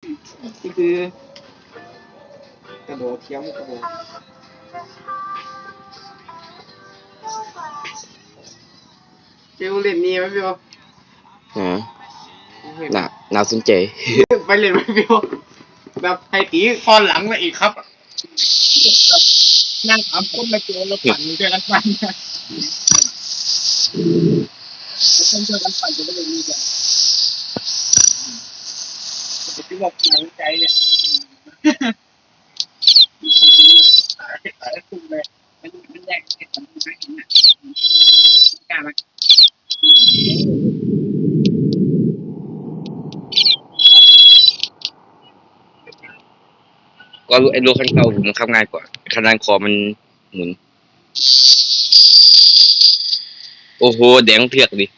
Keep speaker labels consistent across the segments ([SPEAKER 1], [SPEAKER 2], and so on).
[SPEAKER 1] นี่คือกระโดดเทียมกระโดดเจ้าเล่นนี่ไหมพี่โอ
[SPEAKER 2] ฮะน่าสนใจ
[SPEAKER 1] ไปเล่นไหมพี่โอแบบไทยตีคอนหลังมาอีกครับนั่งถามคนมาเจอแล้วปั่นเจอกันปั่นคนเจอกันปั่นจะไม่ได้มีกันจะคิดว่าหนังใจเนี่ยตายคุ้มเลยมันแยกกันมันไม่เห็นนะกล้าไหม
[SPEAKER 2] ก็ไอ้รถคันเก่าผมขับง่ายกว่าคันนั้นคอมันหมุนโอ้โหแดงเพียกดิ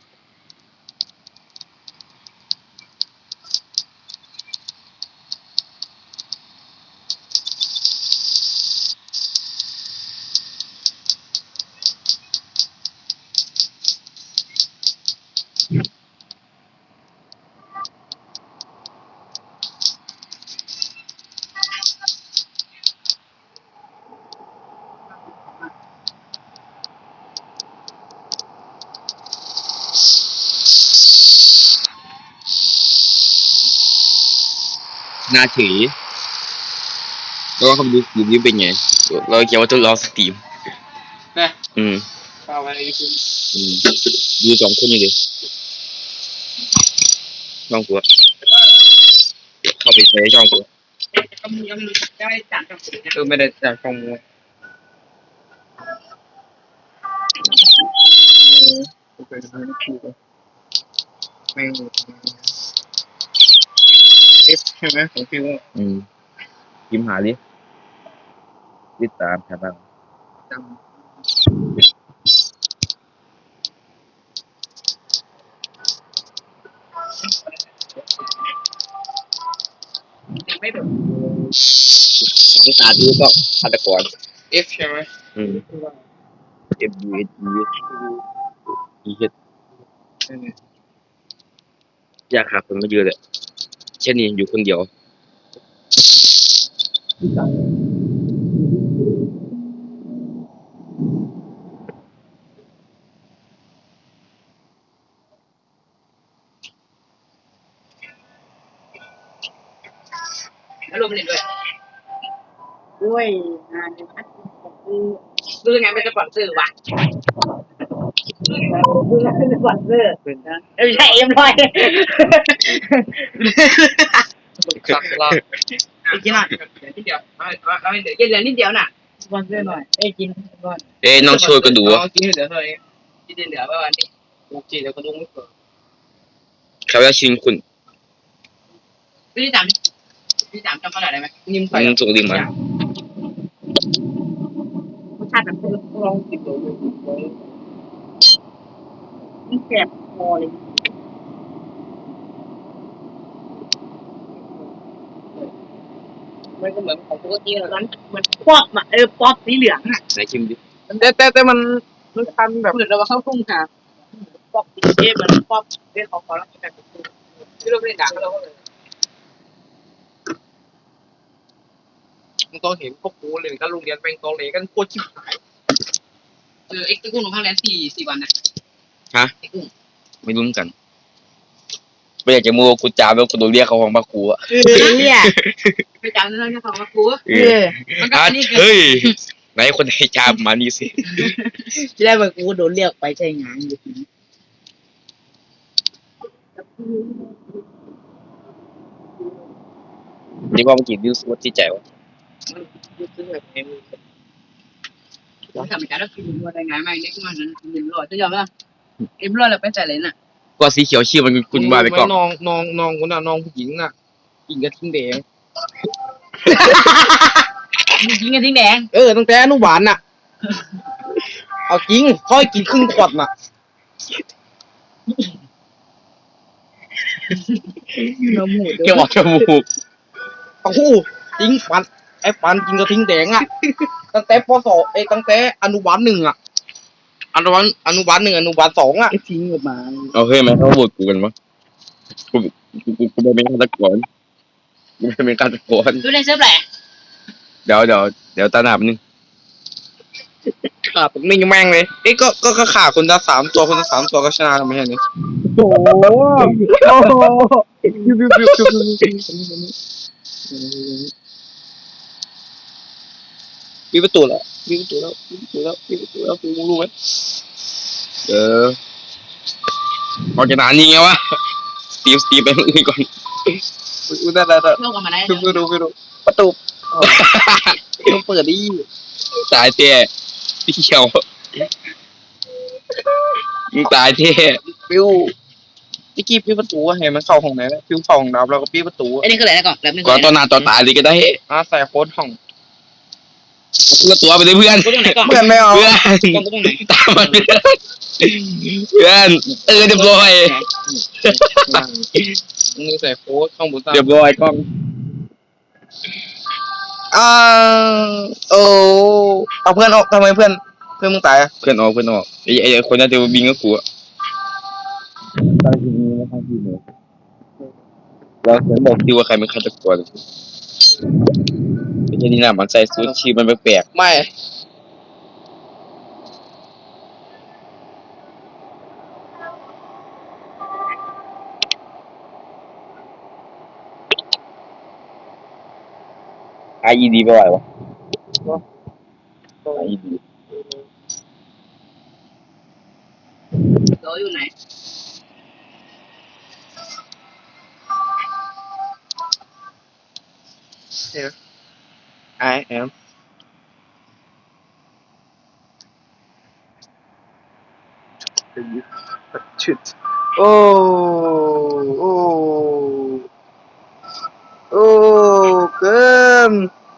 [SPEAKER 2] น่าถือแล้วก็เขาดูรีวิวเป็นไงเราเขียนว่าทดลองสตรีม
[SPEAKER 1] นะ
[SPEAKER 2] อืม
[SPEAKER 1] เข้าไปคือ
[SPEAKER 2] ดูสองคนนี่เลยช่องกูเข้าไปในช่องกู
[SPEAKER 1] ยังได้จัดกับไม่ได้จัดของมูไม่เอฟใช่ไหมของพี่ว่า
[SPEAKER 2] พิมพ์หาดิติดตามครับ
[SPEAKER 1] จำไม่แบบ
[SPEAKER 2] สองตาดูก็ฆาตกร
[SPEAKER 1] F ใช่ไหม
[SPEAKER 2] F U S E H อยากหาคนมาเยอะเลยแค่นี้อยู่คนเดียว
[SPEAKER 1] แล้วรวมเล่นด้วยงานซื้องานเป็นสปอนเซอร์ว่ะซื้องานเป็นสปอนเซอร์ไม่ใช่เอ็มร้อยสักละอีกนิดนิดเดียวเอาเดี๋ยวเหลือนิดเดียวน่ะสปอนเซอร์หน่อยกินก่อน
[SPEAKER 2] น้องช่วยก็ดู
[SPEAKER 1] กินเหลือเท่าไหร่กินเหลือประมาณนี้โอเคเดี๋ยวก็ดูไม่เกิน
[SPEAKER 2] เขาจะชิงคุณ
[SPEAKER 1] พี่จำจำขนาดได้ไหมนิ่มไป
[SPEAKER 2] ส่งลิงก์มาร
[SPEAKER 1] สชาติแบบลองกินดูมันแสบคอเลยมันก็เหมือนของปกติแล้วนั้นเหมือนป๊อปอ่ะป๊อปสีเหลืองอ่ะ
[SPEAKER 2] ไหนชิมดิ
[SPEAKER 1] แต่มันทำแบบเหมือนเราเข้าทุ่งค่ะป๊อปสีเอมันป๊อปเรื่องของเขาแล้วแบบที่เราไม่ได้ด่าเขาเลยมึงต้องเห็นพวกกูเลยก็โรงเรียนเป็นโรงเรียนกันโคตรชิบหายไอ้กุ้งลงข้างแรม4 วันนะ
[SPEAKER 2] ฮะไม่รู้เหมือนกันไม่อยากจะมัวกูจามแล้วกูโดนเรียกเขาห้องมากูอ่ะ
[SPEAKER 1] เนี่ยไปจามแล้วเนี่ยของมากู
[SPEAKER 2] เฮ้ยไหนคนไหนจามมานี่สิ
[SPEAKER 1] ที่ได้มากูโดนเรียกไปใช้งานอยู่
[SPEAKER 2] นี่ว่าเมื่อกี้วิวสวัสดิ์ใจวะ
[SPEAKER 1] ทำการแล้วคือมันได้ไงไม่เนี่ยคือมันเอ็มร้อยจะยอมป่ะเอ็มร้อยเราไปใส่เลยน่ะ
[SPEAKER 2] ก็สีเขียวชื่อมันคุณมาไปก่อน
[SPEAKER 1] น้องคนน่ะน้องผู้หญิงน่ะกินกระทิงแดงกินกระทิงแดงตั้งแต่อนุบาลน่ะเอาจริงค่อยกินครึ่งขวดน่ะน้ำมูก
[SPEAKER 2] แค่บอกจมูก
[SPEAKER 1] โอ้โหจริงปันไอ้ปันกินกระทิงแดงอ่ะตั้งแต่ป.2ตั้งแต่อนุบาล 1อ่ะอนุบาล 1อนุบาล 2อ่ะทิ้งออกมา
[SPEAKER 2] เอาเฮ้ยไหมเขาโหวตกูกันวะกูไม่เป็นฆาตกรไม่เป็นฆาตกร
[SPEAKER 3] ดูในเซิร์ฟแหละ
[SPEAKER 2] เดี๋ยวตาหนาบนึง
[SPEAKER 1] ขาผมนิ่งแม่งเลยเอ้ยก็ขาคนละ3 ตัวคนละ3 ตัวก็ชนะแล้วไม่ใช่เหรอ
[SPEAKER 2] โอ้โห
[SPEAKER 1] มีประตูแล้วมีประตูแล้วมีประตูแล้วมีประตูแล้วกูรู้ไหม
[SPEAKER 2] เอาจะนานนี่ไงวะสตีฟไปเมื่อกี้ก่อน
[SPEAKER 1] กูได้
[SPEAKER 3] เที่ยวกันมาได้
[SPEAKER 1] ไม่รู้ประตูต้องเปิดดิ
[SPEAKER 2] ตายเท่พี่เขียวมึงตายเท่
[SPEAKER 1] ฟิวพี่กี้พี่ประตูเห็นมันเข้าห้องไหนแล้วฟิวเข้าห้องดับแล้วก็พี่ประตู
[SPEAKER 3] ไอ้นี่คืออะไรนะก่อนแบบนึง
[SPEAKER 2] ก่อนตอนหน้าตอนตายเลยก็ได้
[SPEAKER 1] ใส่โค้ดห้อง
[SPEAKER 2] ก็ตัวไปเลยเพื่อน
[SPEAKER 3] กูตรงไหนก่อน
[SPEAKER 1] เพื่อนไม่เอา
[SPEAKER 2] เพื่อน
[SPEAKER 3] กูตรงไหน
[SPEAKER 2] ตามมาเพื่อนเรียบร้อย
[SPEAKER 1] นี่ใส่โค้ดข้างบน
[SPEAKER 2] เรียบร้อยกล้อง
[SPEAKER 1] อ่าโอ้เอาเพื่อนออกทำไมเพื่อนมึงตายอ่ะ
[SPEAKER 2] เพื่อนออกไอ้คนนั้นจะบินก็กลัวตั้งทีนี้นะตั้งทีนี้เราเขียนบอกที่ว่าใครเป็นฆาตกรไม่ใช่นี่นะมันใส่สูทชีมันแปลก
[SPEAKER 1] ไม่
[SPEAKER 2] ๆ IED ไปไหววะ IED
[SPEAKER 3] โดอยู่ไหน
[SPEAKER 1] I am ชุดโอ้โอ้โอ้เกิน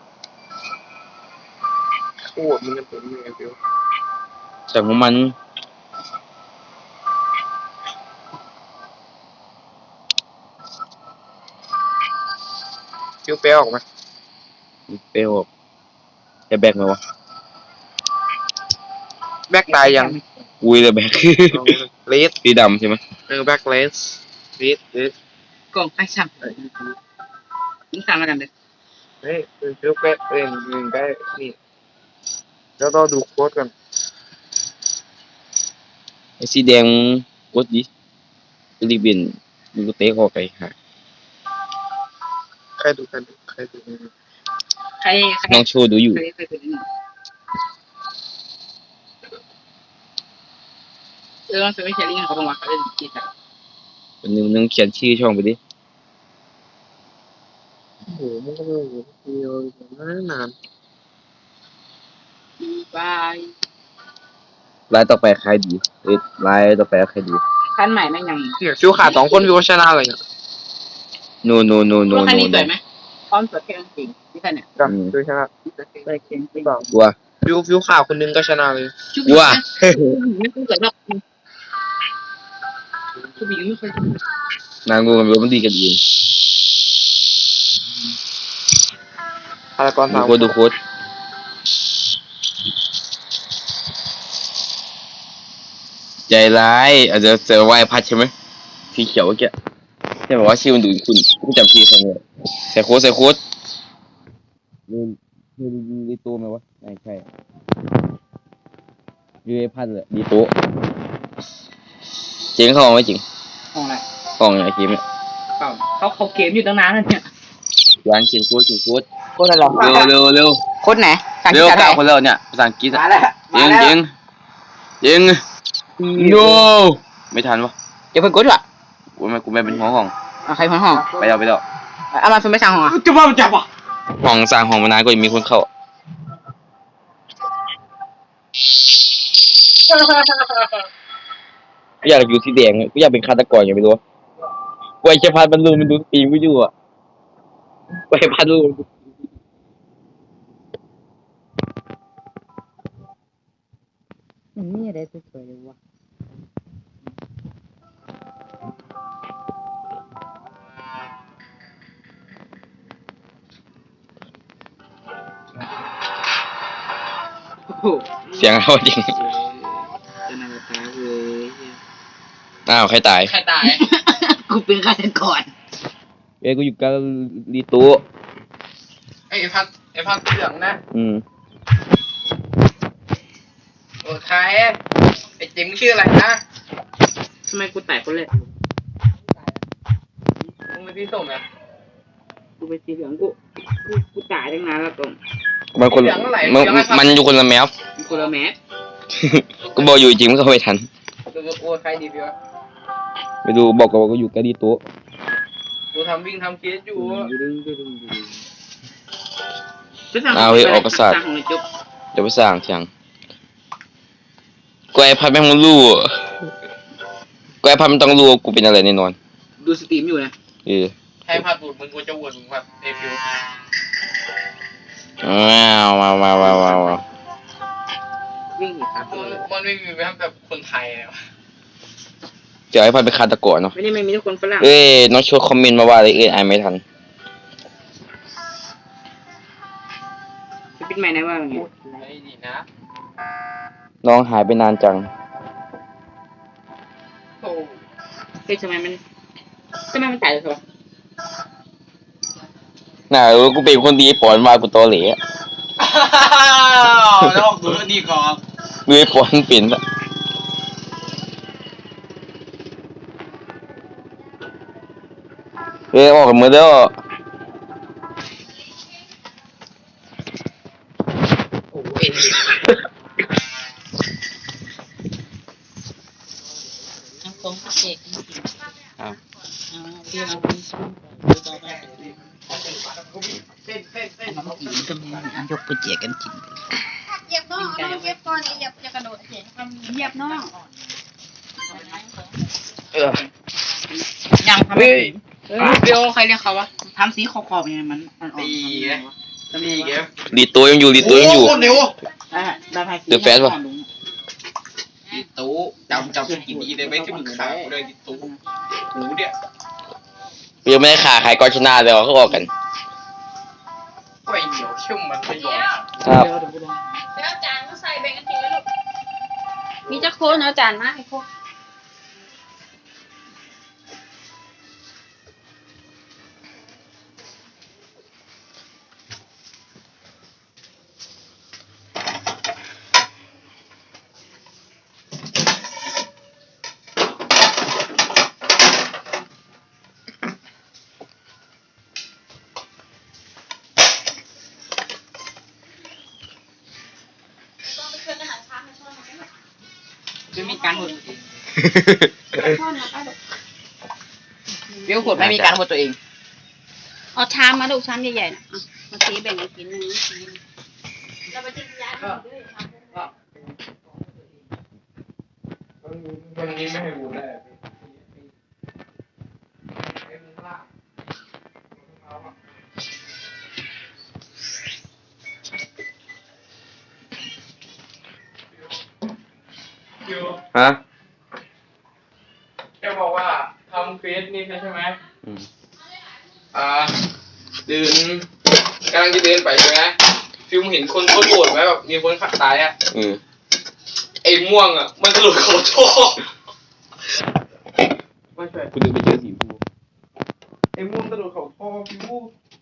[SPEAKER 1] โอ้มันจะเป็นยังไงฟิว
[SPEAKER 2] แต่ของมัน
[SPEAKER 1] ฟิวเปลออกมา
[SPEAKER 2] เปรี้ยวจะแบกไหมวะ
[SPEAKER 1] แบ็กตายยัง
[SPEAKER 2] อุ้ยเลยแบก
[SPEAKER 1] เลส
[SPEAKER 2] สีดำใช่ไหม
[SPEAKER 1] แบ็กเลสเลส
[SPEAKER 3] กล่องไอ้ช่างยิงสั่งแล้วกันเลย
[SPEAKER 1] เฮ้ยฟิวแบ็กหนึ่งได้นี่แล้วเราดูโค้ดกัน
[SPEAKER 2] ไอ้สีแดงกดดิรีบบินมึงก็เตะคอไปหา
[SPEAKER 1] ใครดู
[SPEAKER 3] ใคร
[SPEAKER 2] น้องโชว์ดูอยู่
[SPEAKER 3] ใครเป็นนี่ต้องซื้อไม่ใช่ลิงก์เขาบอกว่าเขาจะกินแต่
[SPEAKER 2] วันนึงนึงเขียนชื่อช่องไปดิ
[SPEAKER 1] โอ้โหมันก็ไม่โหเดียวนาน
[SPEAKER 3] บาย
[SPEAKER 2] รายต่อไปใครดีรายต่อไปใครดี
[SPEAKER 3] ขั้นใหม่แม่งยัง
[SPEAKER 1] เนี่ยฟิวขาด2 คนฟิวชนะเลยเนี่ย
[SPEAKER 2] โน
[SPEAKER 3] ว่าคันนี้สวยไหมพร้อมสวยแค่จริงที่คันเนี่ย
[SPEAKER 1] ก็ฟิวชนะ
[SPEAKER 3] สวยแค่จริง
[SPEAKER 2] กลัว
[SPEAKER 1] ฟิวขาดคนนึงก็ชนะเลย
[SPEAKER 2] ว่า
[SPEAKER 3] ไม่สวยหรอกชูบีไม่เคย
[SPEAKER 2] นางงูกับมันดีกันเอง
[SPEAKER 1] พารากอน
[SPEAKER 2] ดู
[SPEAKER 1] 3
[SPEAKER 2] โค้ดดูโค้ดใจร้ายอาจจะเจอวายพัดใช่ไหมสีเขียวเมื่อกี้ใช่ไหมว่าชื่อมันดูคุณกูจำชื่อเขาไม่ได้ใส่โค้ดมีตัวไหมวะไม่ใช่ยูไอพัดเลยดีโต๊ะเจ๋งเขาไหมจริง
[SPEAKER 3] ห้องอะไร
[SPEAKER 2] ห้องไอ้ทีมเนี่ย
[SPEAKER 3] เขาเกมอยู่ตั้งนานแล้วเนี่ย
[SPEAKER 2] ร้านเขียนโค้ด
[SPEAKER 3] โคตรหล่อ
[SPEAKER 2] เร็ว
[SPEAKER 3] โคตรไหนสั่ง
[SPEAKER 2] เร็ว
[SPEAKER 3] ที่ไหน
[SPEAKER 2] เก้าคนแล้วเนี่ยภาษาอังกฤษ
[SPEAKER 3] มาแล้ว
[SPEAKER 2] ยิง no ไม่ทันวะ
[SPEAKER 3] อย่าเพิ่งกดว่ะ
[SPEAKER 2] กูไม่เป็นหัวห้อง
[SPEAKER 3] ใครพ้นห้อง
[SPEAKER 2] ไปแล้ว
[SPEAKER 3] เอามาซื้อไม่สั่งห้องอ่ะ
[SPEAKER 1] จะมาจับอ่ะ
[SPEAKER 2] ห้องสร้างห้องมานานก็ยังมีคนเข้ากูอยากอยู่สีแดงกูอยากเป็นฆาตกรอย่างไม่รู้กูไอ้เชฟพัดบรรลุมันดูปีกูอยู่อ่ะกูไอ้พัดบรรลุ
[SPEAKER 3] มันนี่อะไรสวยๆเลยวะโอ้โห
[SPEAKER 2] เสียงเขาจริง
[SPEAKER 3] จะนำตายเลย
[SPEAKER 2] อ้าวใครตาย
[SPEAKER 3] ใครตาย กูเป็นฆาตกร
[SPEAKER 2] เอ้ยกูอยู่กาลีโตะ
[SPEAKER 1] ไอ้พัดเหลืองนะ โอ้ใครไอ้เจ๋งชื่ออะไรนะ
[SPEAKER 3] ทำไมกูแตกคนแรก
[SPEAKER 1] มึงเป็นพี่ส้มนะ
[SPEAKER 3] กูไปสีเหลืองกูจ่ายตั้งนานแล้วตรง
[SPEAKER 2] มันคนมันอยู่คนละแมป
[SPEAKER 3] มีคนละแมส
[SPEAKER 2] ก็บอกอยู่จริงมันก็ไม่ทัน
[SPEAKER 1] ดูโอ้ใครดีพี่วะ
[SPEAKER 2] ไปดูบอกกันว่ากูอยู่กาลีโตะ
[SPEAKER 1] ดูทำวิ่งทำเคสอยู่
[SPEAKER 2] เอาเฮ้ยออกประสาท
[SPEAKER 3] สั่งของไอ้จุ๊บ
[SPEAKER 2] เดี๋ยวไปสร้างเถียงกูไอพัดแม่งมันรู้กูไอพัดมันต้องรู้ว่ากูเป็นอะไรแน่นอน
[SPEAKER 3] ดูสตรีมอยู่นะ
[SPEAKER 1] ให้พัดดูดมึงกูจะวนมึงพัดเอฟิว
[SPEAKER 2] ว้าว
[SPEAKER 3] วิ่งหนีครับ
[SPEAKER 1] มันไม่มีแบบคนไทยเลยวะ
[SPEAKER 2] เดี๋ยวไอพัดไปฆาตกรเนาะ
[SPEAKER 3] ไม่มีทุกคนฝรั่ง
[SPEAKER 2] เอ้ยน้องช่วยคอมเมนต์มาว่าอะไรอ่านไม่ทัน
[SPEAKER 3] จะปิดไมค์นะว่าไง
[SPEAKER 1] ไอ้ดีนะ
[SPEAKER 2] น้องหายไปนานจัง
[SPEAKER 1] โอ้
[SPEAKER 3] เฮ้ยทำไมมันจ่ายเลยครับ
[SPEAKER 2] น่ากูเป็นคนดีปอนมากูตอเหล่อะ
[SPEAKER 1] แล้วออกดูนี่ก่อน
[SPEAKER 2] ดูไอ้ปอนเป็นอะเอ้ยออกกันหมดแล้ว
[SPEAKER 1] โอ้เอ็น
[SPEAKER 4] น้ำของเด็กจริง
[SPEAKER 2] อ้าว
[SPEAKER 4] ๆที่เราเป็นช่วงต่อไป
[SPEAKER 1] เต้น
[SPEAKER 4] ก็มีอันยกไปเจกันจริง
[SPEAKER 5] เหยียบน้องเอาน้องเก็บก่อนอย่ากระโดดเสียเหยียบน้อง
[SPEAKER 3] ยังทำไม่ถึงเบลใครเรียกเขาวะทำสีขอบๆยังไงมันอ่อนๆ
[SPEAKER 1] ตีไงตีไง
[SPEAKER 2] ลีตัวยังอยู่ลีตัวยังอยู่
[SPEAKER 1] โคนเร็ว
[SPEAKER 3] ได้ไพ่สี
[SPEAKER 2] เดอะแฟชป่ะ
[SPEAKER 1] ดิตู้จำกินดีได้ไหมที่มึงขากูเลยดิตู้หูเนี่ย
[SPEAKER 2] ยังไม่ได้ขาใครก็ชนะเลยเขาออกกัน
[SPEAKER 1] ไอ้เหนียวเชื่อมมันไม่ยอม
[SPEAKER 2] ครับ
[SPEAKER 5] ไปเอาจานมาใส่แบ่งกันกินแล้วลูกมีจะโคนเอาจานมาให้โคน
[SPEAKER 3] ไม่มีการหด
[SPEAKER 5] ช้อนมาป้าลูก
[SPEAKER 3] เบลหดไม่มีการหดตัวเอง
[SPEAKER 5] เอาชามมาลูกชามใหญ่ๆนะมาตีแบ่งกันกินนึงเราไปทิ้งยาด้วย
[SPEAKER 1] วันนี้ไม่ให้บูได้
[SPEAKER 2] ฮะ
[SPEAKER 1] แกบอกว่าทำเฟสนี่ใช่ไหม
[SPEAKER 2] อืม
[SPEAKER 1] เดินกำลังจะเดินไปใช่ไหมฟิลมเห็นคนโคตรโหดไหมแบบมีคนขับตายอ่ะ ไอ้ม่วงอ่ะ มันกระโดดเขาท่อไม่ใช่
[SPEAKER 2] กูเดินไปเจอสีฟู
[SPEAKER 1] ไอ้ม่วงกระโดดเขาท่อฟิว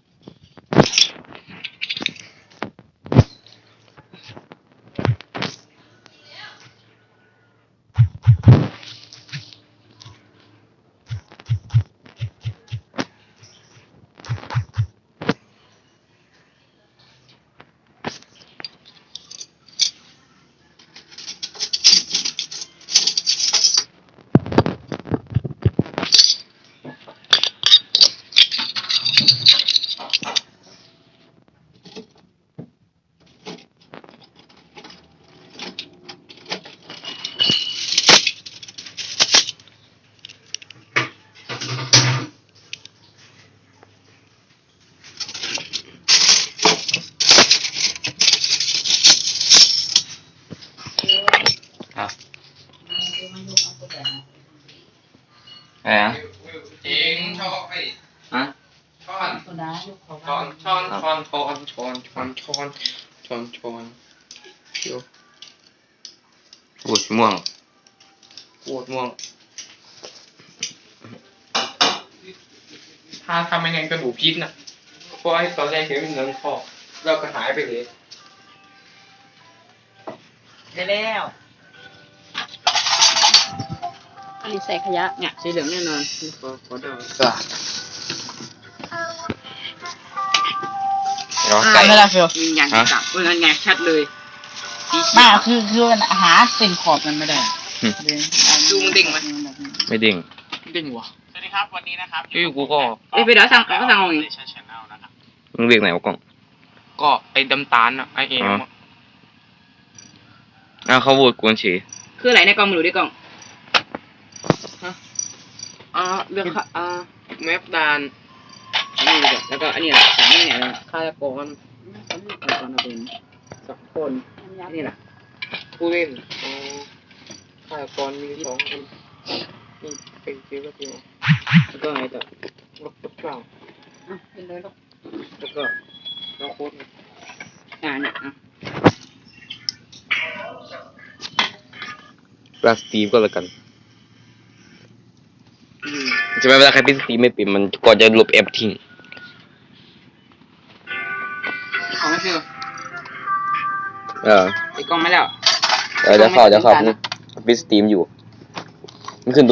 [SPEAKER 2] อะไรนะ
[SPEAKER 1] จริงชอบไอ้
[SPEAKER 2] ฮะ
[SPEAKER 1] ช้อน
[SPEAKER 4] คนร้ายลูกเขา
[SPEAKER 1] ช้อนช้อนช้อนช้อนช้อนช้อนช้อนช้อนช้อนเดี๋ยว
[SPEAKER 2] โอ้ยม่วง
[SPEAKER 1] ปวดม่วงทถ้าทำไม่งั้นก็ดูพิษนะเพราะไอ้ตอนแรกเห็นเป็นเงินคอเราก็หายไปเลย
[SPEAKER 3] ได้แล้ว
[SPEAKER 5] อันนี้ใส่ขยะ
[SPEAKER 3] เนี่ยสีเหลืองแน่นอนขอเดา
[SPEAKER 2] เดี๋ยวไก่
[SPEAKER 3] ไม่ได้เฟียวยืนยันจับงั้นไงชัดเลยสีเขี
[SPEAKER 4] ไม่
[SPEAKER 3] ยว
[SPEAKER 4] คือมันหาเส้นขอบมันไม่ได้
[SPEAKER 3] ดูมึงดิ่งไหม
[SPEAKER 2] ไม่ดิ่ง
[SPEAKER 1] ดิ่งวะ
[SPEAKER 6] สวัสดีครับวันนี้นะครับ
[SPEAKER 1] กูก็
[SPEAKER 3] เอ้ยไปเดี๋ยวสั่งก็สั่งเอาเอง
[SPEAKER 6] ชแนลนะครับ
[SPEAKER 2] มึงเรียกไหนวะกล้อง
[SPEAKER 1] ก็ไอ้ดำตาลอะไอ้เอ็มอะ
[SPEAKER 2] อ้าวเขาโหวตกวนเฉย
[SPEAKER 3] คืออะไรในกล่องมือดูดิกล่อง
[SPEAKER 1] เรื่องแมปดานนี่เลยแล้วก็อันนี้แหละสามนี่เนี่ยฆาตกร
[SPEAKER 3] เอาก่อนเอาเป็น
[SPEAKER 1] สักคนนี่แหละผู้เล่นฆาตกรมี2 คนนี่เป็นคิวแล้วคิวแล้วก็ไงต่อรถเปล่า
[SPEAKER 3] อ่ะเป็นเลยลูก
[SPEAKER 1] แล้วก็น้องโค้ด
[SPEAKER 3] เนี่ยอ่ะ
[SPEAKER 2] ลาสตีฟก็แล้วกันจะไม่เวลาใครพิสตีฟไม่ปิดมันก่อนจะลบแอปทิ้ง
[SPEAKER 3] ของไม่ฟิว
[SPEAKER 2] ไ
[SPEAKER 3] ติดกล้องไหมแล้ว
[SPEAKER 2] เดี๋ยวเข้าพิสตีมอยู่มันขึ้น